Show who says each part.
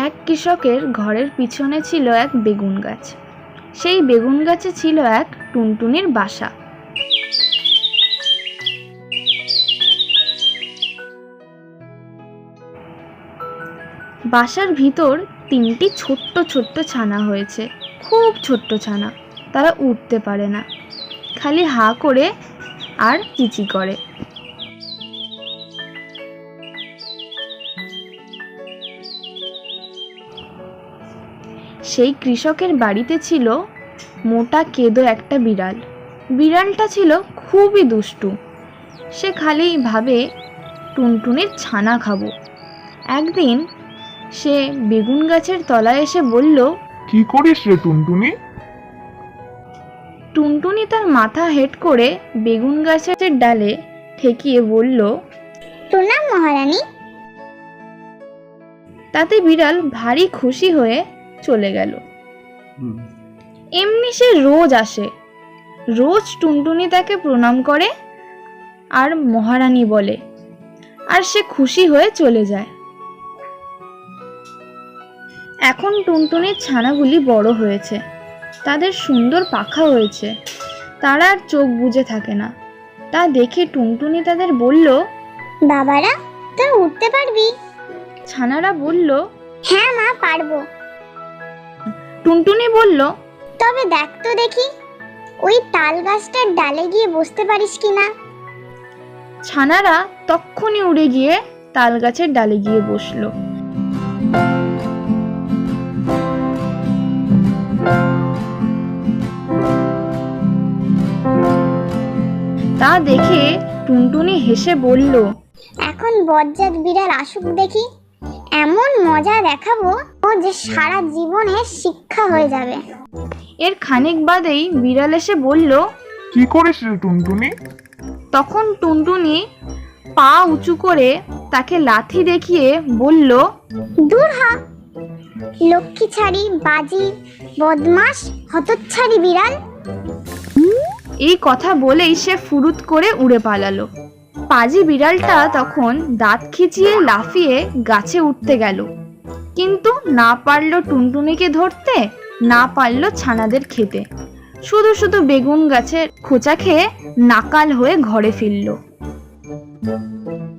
Speaker 1: এক কৃষকের ঘরের পিছনে ছিল এক বেগুন গাছ। সেই বেগুন গাছে ছিল এক টুনটুনির বাসা। বাসার ভিতর তিনটি ছোট্ট ছোট্ট ছানা হয়েছে, খুব ছোট্ট ছানা। তারা উঠতে পারে না, খালি হা করে আর চিচি করে। সেই কৃষকের বাড়িতে ছিল মোটা কেদো একটা বিড়াল। বিড়ালটা ছিল খুবই দুষ্টু। সে খালি ভাবে টুনটুনির ছানা খাবো। একদিন সে বেগুন গাছের তলায় এসে বলল,
Speaker 2: কি করিস রে টুনটুনি?
Speaker 1: টুনটুনি তার মাথা হেঁট করে বেগুন গাছের ডালে ঠেকিয়ে বলল,
Speaker 3: প্রণাম মহারানী।
Speaker 1: তাতে বিড়াল ভারী খুশি হয়ে চলে গেল। এমনি সে রোজ আসে, রোজ টুনটুনি তাকে প্রণাম করে আর মহারানী বলে, আর সে খুশি হয়ে চলে যায়। এখন টুনটুনির ছানাগুলি বড় হয়েছে, তাদের সুন্দর পাখা হয়েছে, তারা আর চোখ বুজে থাকে না। তা দেখে টুনটুনি তাদের বলল,
Speaker 3: বাবারা, তোরা উঠতে পারবি?
Speaker 1: ছানারা বলল,
Speaker 3: হ্যাঁ মা, পারবো।
Speaker 1: টুনটুনি বলল,
Speaker 3: তবে দেখ তো দেখি, ওই তাল গাছটার ডালে গিয়ে বসতে পারিস কিনা।
Speaker 1: ছানারা তক্ষুনি উড়ে গিয়ে তাল গাছের ডালে গিয়ে বসলো। তা দেখে টুনটুনি হেসে বলল,
Speaker 3: এখন বজ্জাত বিড়াল আসুক দেখি, এমন মজা দেখাবো ও যে সারা জীবনে শিক্ষা হয়ে যাবে।
Speaker 1: এর খানিক বাদেই বিড়াল এসে বলল,
Speaker 2: কি করিস রে টুনটুনি?
Speaker 1: তখন টুনটুনি পা উঁচু করে তাকে লাথি দেখিয়ে বলল,
Speaker 3: দূর হ, লক্ষ্মী ছাড়ি, বাজি, বদমাস, হতচ্ছাড়ি বিড়াল।
Speaker 1: এই কথা বলেই সে ফুরুত করে উড়ে পালালো। পাজি বিড়ালটা তখন দাঁত খিচিয়ে লাফিয়ে গাছে উঠতে গেল, কিন্তু না পারল টুনটুনিকে ধরতে, না পারল ছানাদের খেতে। শুধু শুধু বেগুন গাছের খোঁচা খেয়ে নাকাল হয়ে ঘরে ফিরল।